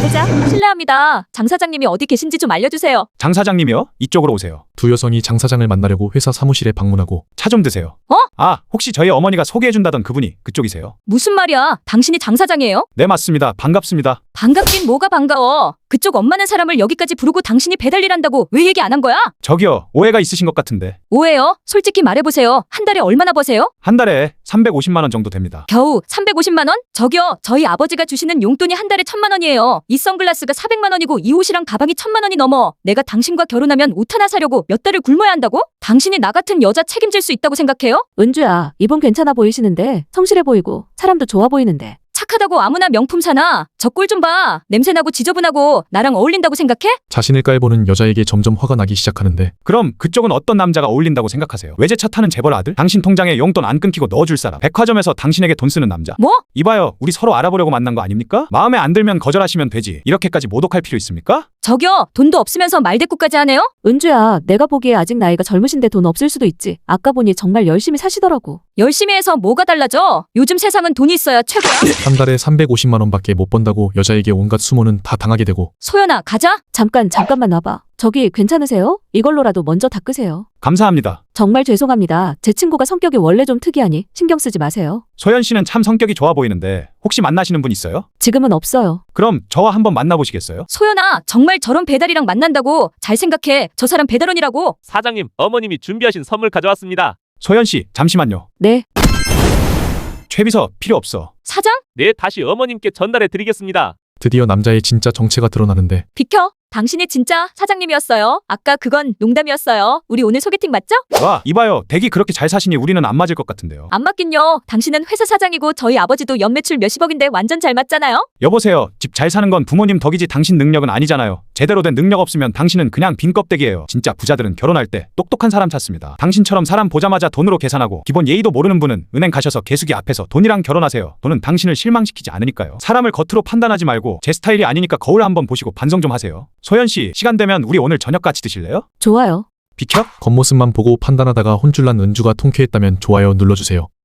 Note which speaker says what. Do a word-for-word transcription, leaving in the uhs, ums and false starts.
Speaker 1: 가보자. 실례합니다. 장 사장님이 어디 계신지 좀 알려주세요.
Speaker 2: 장 사장님이요? 이쪽으로 오세요.
Speaker 3: 두 여성이 장 사장을 만나려고 회사 사무실에 방문하고
Speaker 2: 차 좀 드세요.
Speaker 1: 어?
Speaker 2: 아, 혹시 저희 어머니가 소개해준다던 그분이 그쪽이세요?
Speaker 1: 무슨 말이야? 당신이 장 사장이에요?
Speaker 2: 네, 맞습니다. 반갑습니다.
Speaker 1: 반갑긴 뭐가 반가워. 그쪽 엄마는 사람을 여기까지 부르고 당신이 배달 일한다고 왜 얘기 안 한 거야?
Speaker 2: 저기요, 오해가 있으신 것 같은데.
Speaker 1: 오해요? 솔직히 말해보세요. 한 달에 얼마나 버세요?
Speaker 2: 한 달에 삼백오십만 원 정도 됩니다.
Speaker 1: 겨우 삼백오십만 원? 저기요, 저희 아버지가 주시는 용돈이 한 달에 천만 원이에요. 이 선글라스가 사백만 원이고 이 옷이랑 가방이 천만 원이 넘어. 내가 당신과 결혼하면 옷 하나 사려고 몇 달을 굶어야 한다고? 당신이 나 같은 여자 책임질 수 있다고 생각해요?
Speaker 4: 은주야, 이분 괜찮아 보이시는데 성실해 보이고 사람도 좋아 보이는데.
Speaker 1: 착하다고 아무나 명품 사나? 저 꼴 좀 봐. 냄새나고 지저분하고 나랑 어울린다고 생각해?
Speaker 3: 자신을 깔보는 여자에게 점점 화가 나기 시작하는데
Speaker 2: 그럼 그쪽은 어떤 남자가 어울린다고 생각하세요? 외제차 타는 재벌 아들? 당신 통장에 용돈 안 끊기고 넣어줄 사람? 백화점에서 당신에게 돈 쓰는 남자?
Speaker 1: 뭐?
Speaker 2: 이봐요, 우리 서로 알아보려고 만난 거 아닙니까? 마음에 안 들면 거절하시면 되지. 이렇게까지 모독할 필요 있습니까?
Speaker 1: 저기요, 돈도 없으면서 말대꾸까지 하네요?
Speaker 4: 은주야, 내가 보기에 아직 나이가 젊으신데 돈 없을 수도 있지. 아까 보니 정말 열심히 사시더라고.
Speaker 1: 열심히 해서 뭐가 달라져? 요즘 세상은 돈이 있어야 최고야.
Speaker 3: 한 달에 삼백오십만 원밖에 못 번다고 여자에게 온갖 수모는 다 당하게 되고
Speaker 1: 소연아, 가자.
Speaker 4: 잠깐, 잠깐만 와봐. 저기 괜찮으세요? 이걸로라도 먼저 닦으세요.
Speaker 2: 감사합니다.
Speaker 4: 정말 죄송합니다. 제 친구가 성격이 원래 좀 특이하니 신경 쓰지 마세요.
Speaker 2: 소연 씨는 참 성격이 좋아 보이는데 혹시 만나시는 분 있어요?
Speaker 4: 지금은 없어요.
Speaker 2: 그럼 저와 한번 만나보시겠어요?
Speaker 1: 소연아, 정말 저런 배달이랑 만난다고? 잘 생각해. 저 사람 배달원이라고.
Speaker 5: 사장님, 어머님이 준비하신 선물 가져왔습니다.
Speaker 2: 소연 씨, 잠시만요.
Speaker 4: 네.
Speaker 2: 최비서 필요 없어.
Speaker 1: 사장?
Speaker 5: 네, 다시 어머님께 전달해 드리겠습니다.
Speaker 3: 드디어 남자의 진짜 정체가 드러나는데
Speaker 1: 비켜. 당신이 진짜 사장님이었어요. 아까 그건 농담이었어요. 우리 오늘 소개팅 맞죠?
Speaker 2: 와, 이봐요. 댁이 그렇게 잘 사시니 우리는 안 맞을 것 같은데요.
Speaker 1: 안 맞긴요. 당신은 회사 사장이고 저희 아버지도 연매출 몇십억인데 완전 잘 맞잖아요.
Speaker 2: 여보세요. 집 잘 사는 건 부모님 덕이지 당신 능력은 아니잖아요. 제대로 된 능력 없으면 당신은 그냥 빈 껍데기예요. 진짜 부자들은 결혼할 때 똑똑한 사람 찾습니다. 당신처럼 사람 보자마자 돈으로 계산하고 기본 예의도 모르는 분은 은행 가셔서 개수기 앞에서 돈이랑 결혼하세요. 돈은 당신을 실망시키지 않으니까요. 사람을 겉으로 판단하지 말고 제 스타일이 아니니까 거울 한번 보시고 반성 좀 하세요. 소연 씨, 시간 되면 우리 오늘 저녁 같이 드실래요?
Speaker 4: 좋아요.
Speaker 2: 비켜?
Speaker 3: 겉모습만 보고 판단하다가 혼쭐난 은주가 통쾌했다면 좋아요 눌러주세요.